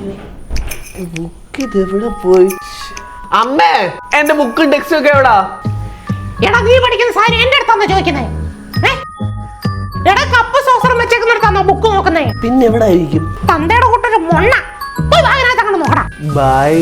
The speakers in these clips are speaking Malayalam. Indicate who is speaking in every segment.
Speaker 1: ബുക്ക് ഇതെവിടെ പോയി? അമ്മേ, എന്റെ ബുക്കും ടെക്സ്റ്റും ഒക്കെ എവിടാ?
Speaker 2: എടാ, നീ പഠിക്കുന്ന സാരി എന്റെ അടുത്താണോ ചോദിക്കുന്നേ? എടാ, കപ്പ് സോസറും വെച്ചേക്കുന്നിടത്താണോ ബുക്ക് നോക്കുന്നേ?
Speaker 1: പിന്നെ എവിടെ ആയിരിക്കും?
Speaker 2: തന്തയുടെ കൂട്ടൊരു മൊണ്ണ. പോയി വാങ്ങിനകത്ത് അങ്ങോട്ട് നോക്കടാ.
Speaker 1: ബൈ.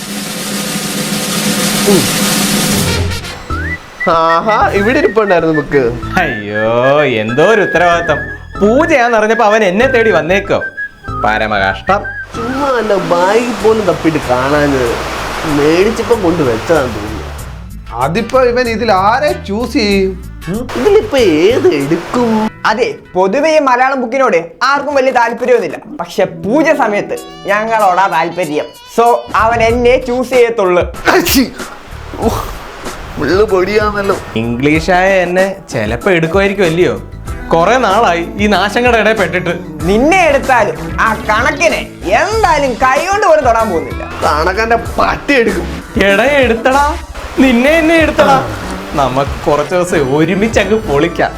Speaker 1: ആഹാ, ഇവിടെ ഇരിപ്പുണ്ടായിരുന്നു ബുക്ക്.
Speaker 3: അയ്യോ, എന്തോ ഒരു ഉത്തരവാദിത്തം. പൂജയാന്ന് അറിഞ്ഞപ്പോ അവൻ എന്നെ തേടി വന്നേക്കോ. പരമകഷ്ടം.
Speaker 1: ചുമ്മാ അല്ല, ബാഗ് പോലും തപ്പിട്ട് കാണാന് മേടിച്ചപ്പോ കൊണ്ട് വെച്ചതാന്ന് തോന്നുന്നു.
Speaker 4: അതിപ്പോ ഇവൻ ഇതിൽ ആരെ ചൂസ് ചെയ്യും?
Speaker 1: ഇതിലിപ്പോ ഏത് എടുക്കും?
Speaker 5: അതെ, പൊതുവെ ഈ മലയാളം ബുക്കിനോട് ആർക്കും വലിയ താല്പര്യമൊന്നുമില്ല. പക്ഷെ പൂജ സമയത്ത് ഞങ്ങളോടാ താല്പര്യം. സോ അവൻ എന്നെ ചൂസ് ചെയ്യത്തുള്ളു.
Speaker 1: പൊടിയാന്നല്ലോ.
Speaker 3: ഇംഗ്ലീഷായ എന്നെ ചെലപ്പോ എടുക്കുമായിരിക്കും അല്ലയോ? കൊറേ നാളായി ഈ നാശങ്ങളുടെ ഇടയിൽ പെട്ടിട്ട്.
Speaker 5: നിന്നെ എടുത്താലും ആ കണക്കിനെ എന്തായാലും കൈ കൊണ്ട് പോലും തൊടാൻ പോകുന്നില്ല.
Speaker 1: കണക്കന്റെ പട്ടി എടുക്കും.
Speaker 3: എട എടുത്തടാ, നിന്നെ എന്നെ എടുത്തടാ. നമുക്ക് കുറച്ച് ദിവസം ഒരുമിച്ച് അങ്ങ് പൊളിക്കാം.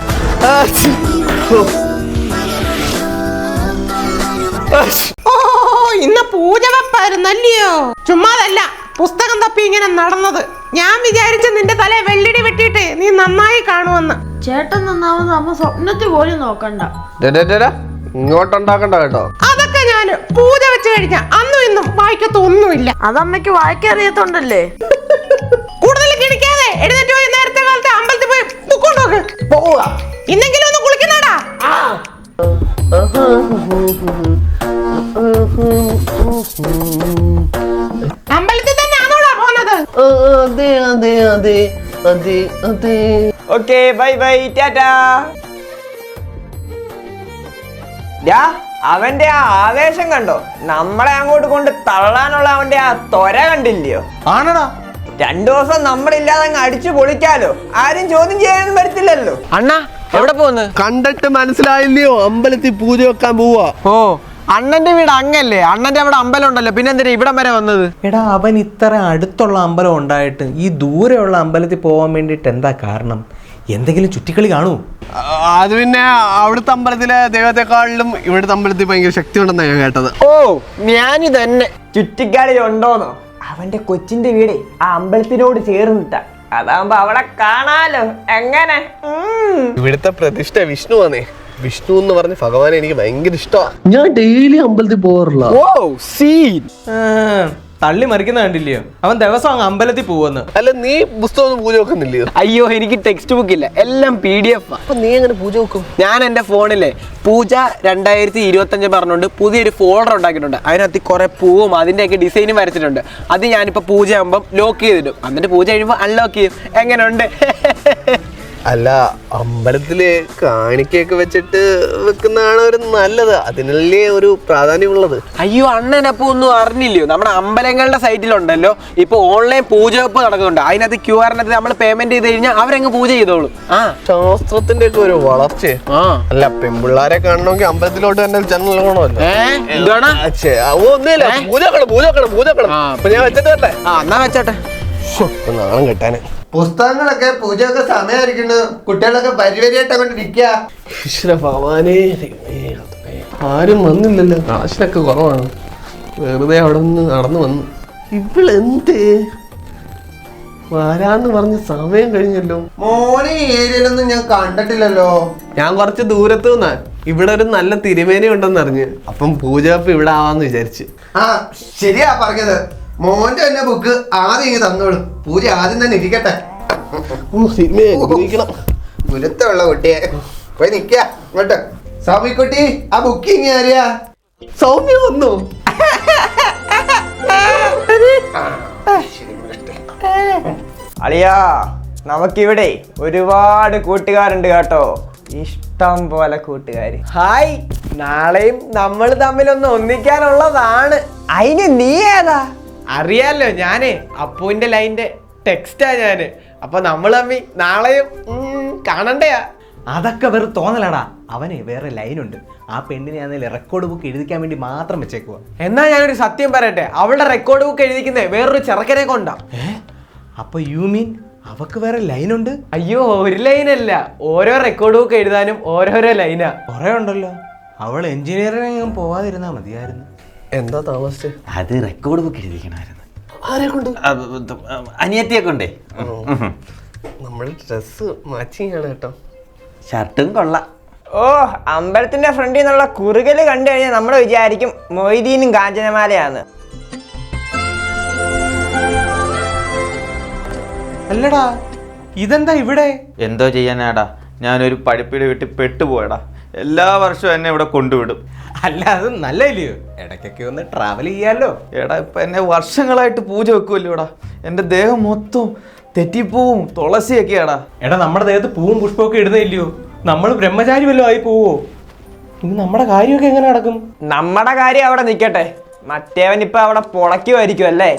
Speaker 2: ഓ, ഇന്ന് പൂജ വെപ്പായിരുന്നല്ലയോ? ചുമ്മാതല്ല പുസ്തകം തപ്പി ഇങ്ങനെ നടന്നത്. ഞാൻ വിചാരിച്ച നിന്റെ തല വെള്ളിടി വെട്ടിയിട്ട് നീ നന്നായി കാണുമെന്ന്.
Speaker 6: ചേട്ടൻ നന്നാവുന്ന അമ്മ സ്വപ്നത്തിൽ പോലും നോക്കണ്ട.
Speaker 1: ഇങ്ങോട്ടുണ്ടാക്കണ്ട കേട്ടോ.
Speaker 2: അതൊക്കെ ഞാന് പൂജ വെച്ച് കഴിഞ്ഞ അന്നും ഇന്നും വായിക്കത്തൊന്നുമില്ല.
Speaker 6: അതമ്മയ്ക്ക് വായിക്കറിയത്തോണ്ടല്ലേ.
Speaker 2: കൂടുതൽ കിണിക്കാതെ എഴുന്നേറ്റ് പോയി നേരത്തെ കാലത്ത് അമ്പലത്തിൽ പോയി ബുക്ക് കൊണ്ടുപോക്ക്.
Speaker 1: പോവുക.
Speaker 2: ഇന്നെങ്കിലും ഒന്ന് കുളിക്കണടാ. അമ്പലത്തിൽ തന്നെ ആണോടാ പോന്നത്?
Speaker 1: അതെ അതെ അതെ അതെ അതെ.
Speaker 5: Okay, bye bye, tata. അവന്റെ ആ ആവേശം കണ്ടോ? നമ്മളെ അങ്ങോട്ട് കൊണ്ട് തള്ളാനുള്ള അവന്റെ ആ ത്വര കണ്ടില്ലയോ?
Speaker 3: ആണടാ,
Speaker 5: 2 ദിവസം നമ്മളില്ലാതെ അങ്ങ് അടിച്ചു പൊളിക്കാലോ. ആരും ചോദ്യം ചെയ്യാനൊന്നും വരത്തില്ലല്ലോ.
Speaker 7: അണ്ണാ എവിടെ പോന്ന്?
Speaker 1: കണ്ടിട്ട് മനസ്സിലായില്ലയോ? അമ്പലത്തിൽ പൂജ വെക്കാൻ പോവാ.
Speaker 7: ഓ, അണ്ണന്റെ വീട് അങ്ങല്ലേ? അണ്ണന്റെ അവിടെ അമ്പലം ഉണ്ടല്ലോ, പിന്നെ എന്തിനാ ഇവിടം വരെ വന്നത്?
Speaker 3: എടാ, അവൻ ഇത്ര അടുത്തുള്ള അമ്പലം ഉണ്ടായിട്ട് ഈ ദൂരെയുള്ള അമ്പലത്തിൽ പോകാൻ വേണ്ടിട്ട് എന്താ കാരണം? എന്തെങ്കിലും ചുറ്റിക്കളി കാണൂ?
Speaker 1: അത് പിന്നെ അവിടുത്തെ അമ്പലത്തിലെ ദൈവത്തെക്കാളിലും ഇവിടുത്തെ അമ്പലത്തിൽ ഭയങ്കര ശക്തി ഉണ്ടെന്നാണ് ഞാൻ കേട്ടത്.
Speaker 7: ഓ, ഞാനി തന്നെ.
Speaker 5: ചുറ്റിക്കാളി ഉണ്ടോന്നോ? അവന്റെ കൊച്ചിന്റെ വീടേ ആ അമ്പലത്തിനോട് ചേർന്നിട്ടാ. അതാകുമ്പോ അവിടെ കാണാലോ. എങ്ങനെ?
Speaker 1: ഇവിടുത്തെ പ്രതിഷ്ഠ വിഷ്ണു ആണേ. വിഷ്ണു എന്ന് പറഞ്ഞ ഭഗവാനെ എനിക്ക് ഭയങ്കര ഇഷ്ടമാണ്. ഞാൻ ഡെയിലി അമ്പലത്തിൽ പോകാറില്ല.
Speaker 7: ഓ, സീൻ.
Speaker 3: തള്ളി മറിക്കുന്ന കണ്ടില്ലയോ? അവൻ ദിവസം അങ്ങ് അമ്പലത്തിൽ പോവെന്ന്.
Speaker 1: അല്ല, നീ പുസ്തകം പൂജ വെക്കുന്നില്ലയോ?
Speaker 7: അയ്യോ, എനിക്ക് ടെക്സ്റ്റ് ബുക്ക് ഇല്ല, എല്ലാം PDF.
Speaker 1: അപ്പൊ നീ എങ്ങനെ പൂജ വെക്കും?
Speaker 7: ഞാൻ എന്റെ ഫോണിലെ പൂജ 2025 പറഞ്ഞുകൊണ്ട് പുതിയൊരു ഫോൾഡർ ഉണ്ടാക്കിയിട്ടുണ്ട്. അതിനകത്ത് കുറെ പൂവും അതിന്റെയൊക്കെ ഡിസൈനും വരച്ചിട്ടുണ്ട്. അത് ഞാനിപ്പോ പൂജ ആകുമ്പോൾ ലോക്ക് ചെയ്തിടും. എന്നിട്ട് പൂജ കഴിയുമ്പോൾ അൺലോക്ക് ചെയ്യും. എങ്ങനെയുണ്ട്?
Speaker 1: അല്ല, അമ്പലത്തില് കാണിക്കൊക്കെ വെച്ചിട്ട് വെക്കുന്നതാണ് ഒരു നല്ലത്. അതിനല്ലേ ഒരു പ്രാധാന്യമുള്ളത്.
Speaker 7: അയ്യോ, അണ്ണനപ്പോ ഒന്നും അറിഞ്ഞില്ലയോ? നമ്മുടെ അമ്പലങ്ങളുടെ സൈറ്റിലുണ്ടല്ലോ ഇപ്പൊ ഓൺലൈൻ പൂജ വെപ്പ് നടക്കുന്നുണ്ട്. അതിനകത്ത് QR നമ്മൾ പേയ്മെന്റ് ചെയ്ത് കഴിഞ്ഞാൽ അവരങ്ങ് പൂജ ചെയ്തോളും.
Speaker 1: ശാസ്ത്രത്തിന്റെ ഒക്കെ ഒരു വളർച്ച. അല്ല, പെൺപിള്ളാരെ കാണണമെങ്കിൽ അമ്പലത്തിലോട്ട് തന്നെ ചാനൽ കാണുമല്ലോ.
Speaker 7: എന്താണ്?
Speaker 1: ഒന്നുമില്ല, പൂജ അപ്പൊ ഞാൻ വെച്ചിട്ട് വരട്ടെ.
Speaker 7: എന്നാ വെച്ചോട്ടെ.
Speaker 1: നാണം കെട്ടാന്.
Speaker 4: പുസ്തകങ്ങളൊക്കെ പൂജയൊക്കെ സമയമായിരിക്കുന്നു. കുട്ടികളൊക്കെ പരിവരിയായിട്ട് അങ്ങോട്ട് ഇരിക്കുക.
Speaker 1: ഈശ്വര ഭഗവാനേ, ആരും വന്നില്ലല്ലോ. കാശിനൊക്കെ കുറവാണ്. വെറുതെ അവിടെ നിന്ന് നടന്നു വന്നു. ഇവളെന്ത് വരാന്ന് പറഞ്ഞ സമയം കഴിഞ്ഞല്ലോ.
Speaker 4: മോനെ ഈ ഏരിയയിലൊന്നും ഞാൻ കണ്ടിട്ടില്ലല്ലോ.
Speaker 1: ഞാൻ കുറച്ച് ദൂരത്ത് നിന്നാ. ഇവിടെ ഒരു നല്ല തിരുമേനി ഉണ്ടെന്ന് അറിഞ്ഞ്. അപ്പം പൂജ ഇവിടെ ആവാന്ന് വിചാരിച്ച്.
Speaker 4: ആ, ശരിയാ പറഞ്ഞത്. മോന്റെ തന്നെ ബുക്ക് ആദ്യം ഇങ്ങ് തന്നോളൂ. പൂജ ആദ്യം തന്നെ ഇരിക്കട്ടെ. ഗുരുത്തമുള്ള കുട്ടിയെ പോയി നിക്ക. ഇങ്ങോട്ട് സൗമ്യക്കുട്ടി, ആ ബുക്കിങ് ആരെയാ?
Speaker 1: സൗമ്യ വന്നു.
Speaker 5: അളിയാ, നമുക്കിവിടെ ഒരുപാട് കൂട്ടുകാരുണ്ട് കേട്ടോ. ഇഷ്ടം പോലെ കൂട്ടുകാര്. ഹായ്, നാളെയും നമ്മൾ തമ്മിലൊന്ന് ഒന്നിക്കാനുള്ളതാണ്. അതിന് നീ ഏതാ?
Speaker 7: അറിയാലോ, ഞാനേ അപ്പുവിന്റെ ലൈൻ്റെ ടെക്സ്റ്റാ ഞാന്. അപ്പൊ നമ്മൾ തമ്മി നാളെയും കാണണ്ടയാ.
Speaker 3: അതൊക്കെ വെറും തോന്നലടാ. അവന് വേറെ ലൈനുണ്ട്. ആ പെണ്ണിനെ ആണെങ്കിൽ റെക്കോർഡ് ബുക്ക് എഴുതിക്കാൻ വേണ്ടി മാത്രം വെച്ചേക്കുക.
Speaker 7: എന്നാ ഞാനൊരു സത്യം പറയട്ടെ, അവളുടെ റെക്കോർഡ് ബുക്ക് എഴുതിക്കുന്നേ വേറൊരു ചെറുക്കനെ കൊണ്ടാ.
Speaker 3: അപ്പൊ യു മീൻ അവക്ക് വേറെ ലൈനുണ്ട്?
Speaker 7: അയ്യോ, ഒരു ലൈനല്ല, ഓരോ റെക്കോർഡ് ബുക്ക് എഴുതാനും ഓരോരോ ലൈനാ.
Speaker 3: കുറെ ഉണ്ടല്ലോ. അവൾ എഞ്ചിനീയറിംഗ് പോവാതിരുന്നാ മതിയായിരുന്നു.
Speaker 1: എന്താ താമസിച്ചേ?
Speaker 8: അത് റെക്കോർഡ് ബുക്ക് എഴുതിക്കണമായിരുന്നു.
Speaker 1: ആരെ കൊണ്ട്?
Speaker 8: അനിയത്തിയെ കൊണ്ടേ.
Speaker 1: നമ്മൾ ഡ്രസ് മാച്ചിങ് ആണ് കേട്ടോ.
Speaker 8: ഷർട്ടും കൊള്ളാം.
Speaker 5: ഓ, അമ്പലത്തിന്റെ ഫ്രണ്ടിൽ നിന്നുള്ള കുറുകല് കണ്ടു കഴിഞ്ഞാൽ നമ്മൾ വിചാരിക്കും മൊയ്തീനും കാഞ്ചനമാലയാണ്.
Speaker 3: അല്ലടാ ഇതെന്താ ഇവിടെ?
Speaker 8: എന്തോ ചെയ്യാനാടാ, ഞാനൊരു പഠിപ്പിയുടെ വീട്ടിൽ പെട്ടുപോയടാ. എല്ലാ വർഷവും എന്നെ ഇവിടെ കൊണ്ടുവിടും.
Speaker 3: അല്ല അത് നല്ലല്ലയോ, ഇടയ്ക്കൊക്കെ ഒന്ന് ട്രാവൽ ചെയ്യാലോ.
Speaker 8: എടാ ഇപ്പൊ എന്നെ വർഷങ്ങളായിട്ട് പൂജ വെക്കുമല്ലോടാ. എൻ്റെ ദേഹം മൊത്തം തെറ്റിപ്പൂവും തുളസിയൊക്കെയാടാ.
Speaker 3: എടാ നമ്മുടെ ദേഹത്ത് പൂവും പുഷ്പമൊക്കെ ഇടുന്നില്ലയോ, നമ്മൾ ബ്രഹ്മചാരി വല്ലതും ആയി പോവോ? ഇനി നമ്മുടെ കാര്യമൊക്കെ എങ്ങനെ നടക്കും?
Speaker 5: നമ്മുടെ കാര്യം അവിടെ നിൽക്കട്ടെ, മറ്റേവൻ ഇപ്പൊ അവിടെ പൊളയ്ക്കുമായിരിക്കും അല്ലേ?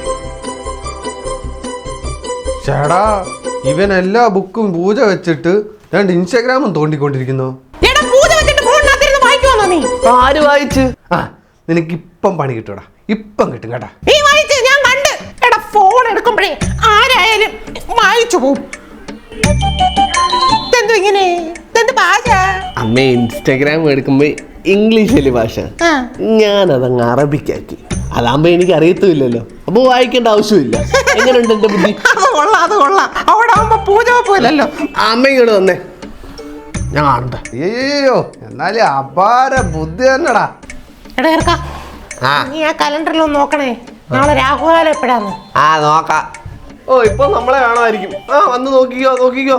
Speaker 9: ചേടാ, ഇവൻ എല്ലാ ബുക്കും പൂജ വെച്ചിട്ട് രണ്ട് ഇൻസ്റ്റാഗ്രാമും തോണ്ടിക്കൊണ്ടിരിക്കുന്നു.
Speaker 2: എടാ പൂജ വെച്ചിട്ട് ഫോണിനകത്തിരുന്ന് വായിക്കുവാന്നോ നീ?
Speaker 1: ആര് വായിച്ച്?
Speaker 9: ആ, നിനക്ക് ഇപ്പം പണി കിട്ടൂടാ, ഇപ്പം കിട്ടും കേട്ടാ.
Speaker 2: നീ വായിച്ച് ഞാൻ കണ്ട്. എടാ ഫോൺ എടുക്കുമ്പോഴേ ആരായാലും വായിച്ചു പോവും. ഇതെന്തോ ഇങ്ങനെ? ഇതെന്ത് ഭാഷ?
Speaker 1: അമ്മ ഇൻസ്റ്റാഗ്രാം എടുക്കുമ്പോ ഇംഗ്ലീഷല്ലേ ഭാഷ,
Speaker 2: ആ.
Speaker 1: ഞാനതങ്ങ് അറബിക്കാക്കി. അതാകുമ്പോ എനിക്ക് അറിയത്തുമില്ലല്ലോ, അപ്പൊ വായിക്കേണ്ട ആവശ്യമില്ല. എങ്ങനെയുണ്ട് എന്റെ ബുദ്ധി?
Speaker 2: അത് കൊള്ളാം, അത് കൊള്ളാം. അവിടെ ആവുമ്പോ പൂജ പോലല്ലോ.
Speaker 1: അമ്മ ഇങ്ങോട്ട് വന്നേ, ഞാൻ കാണട്ടെ.
Speaker 9: അയ്യോ, എന്നാലും അപാര ബുദ്ധി തന്നെടാ.
Speaker 2: എടാ ഇറക്കാ, നീ ആ കലണ്ടറിൽ ഒന്ന് നോക്കണേ, നാളെ രാഹുകാലം എപ്പോഴാന്ന്.
Speaker 1: ആ നോക്കാം. ഓ ഇപ്പൊ നമ്മളെ കാണുമായിരിക്കും. ആ വന്ന് നോക്കിക്കോ നോക്കിക്കോ.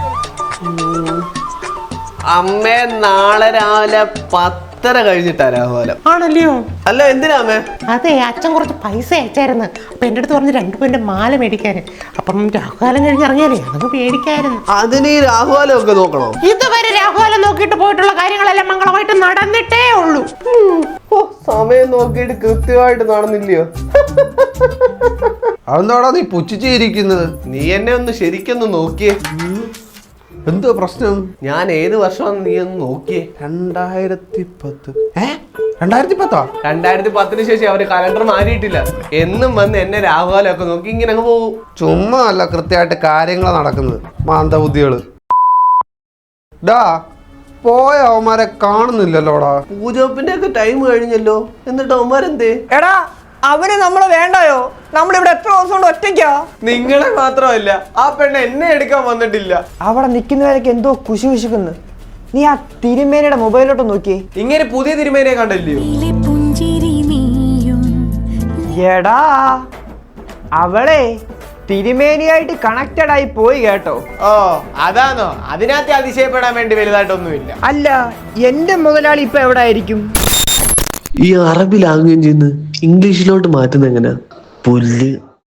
Speaker 1: അമ്മേ നാളെ രാവിലെ 10:30 കഴിഞ്ഞിട്ടാ രാഹുകാലം.
Speaker 2: ആണല്ലയോ?
Speaker 1: അല്ല എന്തിനാ അമ്മേ?
Speaker 2: അതെ, അച്ഛൻ കുറച്ച് പൈസ അയച്ചായിരുന്നു. അപ്പൊ എന്റെ അടുത്ത് പറഞ്ഞ് 2 പവന്റെ മാല മേടിക്കാന്. അപ്പം രാഹുകാലം കഴിഞ്ഞ് ഇറങ്ങിയാലേ അതങ്ങ് മേടിക്കായിരുന്നു.
Speaker 1: അതിന് ഈ രാഹുകാലം ഒക്കെ നോക്കണോ?
Speaker 2: ഇതുവരെ രാഹുകാലം നോക്കിയിട്ട് പോയിട്ടുള്ള കാര്യങ്ങളെല്ലാം മംഗളമായിട്ട് നടന്നിട്ടേ ഉള്ളൂ.
Speaker 1: ഓ സമയം നോക്കിയിട്ട് കൃത്യമായിട്ട് നടന്നില്ലയോ?
Speaker 9: അതെന്താടാ നീ പുച്ഛിച്ചിരിക്കുന്നത്?
Speaker 1: നീ എന്നെ ഒന്ന് ശരിക്കൊന്ന് നോക്കിയേ.
Speaker 9: എന്തോ പ്രശ്നം?
Speaker 1: ഞാൻ ഏത് വർഷമാണെന്ന് നീ ഒന്ന് നോക്കിയേ.
Speaker 9: 2010. 2010?
Speaker 1: 2010 ശേഷം അവര് കലണ്ടർ മാറിയിട്ടില്ല. എന്നും വന്ന് എന്നെ രാഹുകാലം ഒക്കെ നോക്കി ഇങ്ങനെ അങ്ങ് പോകും.
Speaker 9: ചുമ്മാ അല്ല, കൃത്യമായിട്ട് കാര്യങ്ങൾ നടക്കുന്നത്. മാന്തബുദ്ധികള്. ഡാ, പോയ അവന്മാരെ കാണുന്നില്ലല്ലോടാ.
Speaker 1: പൂജോപ്പിന്റെ ഒക്കെ ടൈം കഴിഞ്ഞല്ലോ, എന്നിട്ട് അവന്മാരെന്തേ?
Speaker 5: എടാ, അവന് നമ്മള് വേണ്ടായോ? നമ്മളിവിടെ എത്ര ദിവസം കൊണ്ട് ഒറ്റയ്ക്കാ?
Speaker 7: നിങ്ങളെ മാത്രമല്ല, ആ പെണ്ണ് എന്നെ എടുക്കാൻ വന്നിട്ടില്ല.
Speaker 5: അവിടെ നിൽക്കുന്നവരൊക്കെ എന്തോ കുശി കുശിക്കുന്നു. നീ ആ തിരുമേനയുടെ മൊബൈലിലോട്ട് നോക്കിയേ.
Speaker 7: ഇങ്ങനെ പുതിയ തിരുമേനെ കണ്ടല്ലയോ?
Speaker 5: എടാ, അവളെ തിരുമേനിയായിട്ട് കണക്റ്റഡ് ആയി പോയി കേട്ടോ.
Speaker 7: ഓ അതാണോ? അതിനകത്ത് അതിശയപ്പെടാൻ വേണ്ടി വലുതായിട്ടൊന്നുമില്ല.
Speaker 5: അല്ല, എന്റെ മുതലാളി ഇപ്പൊ എവിടെ ആയിരിക്കും?
Speaker 1: ഈ അറബി ലാംഗ്വേജിൽ നിന്ന് ഇംഗ്ലീഷിലോട്ട് മാറ്റുന്ന എങ്ങനെയാ? പുല്ല്.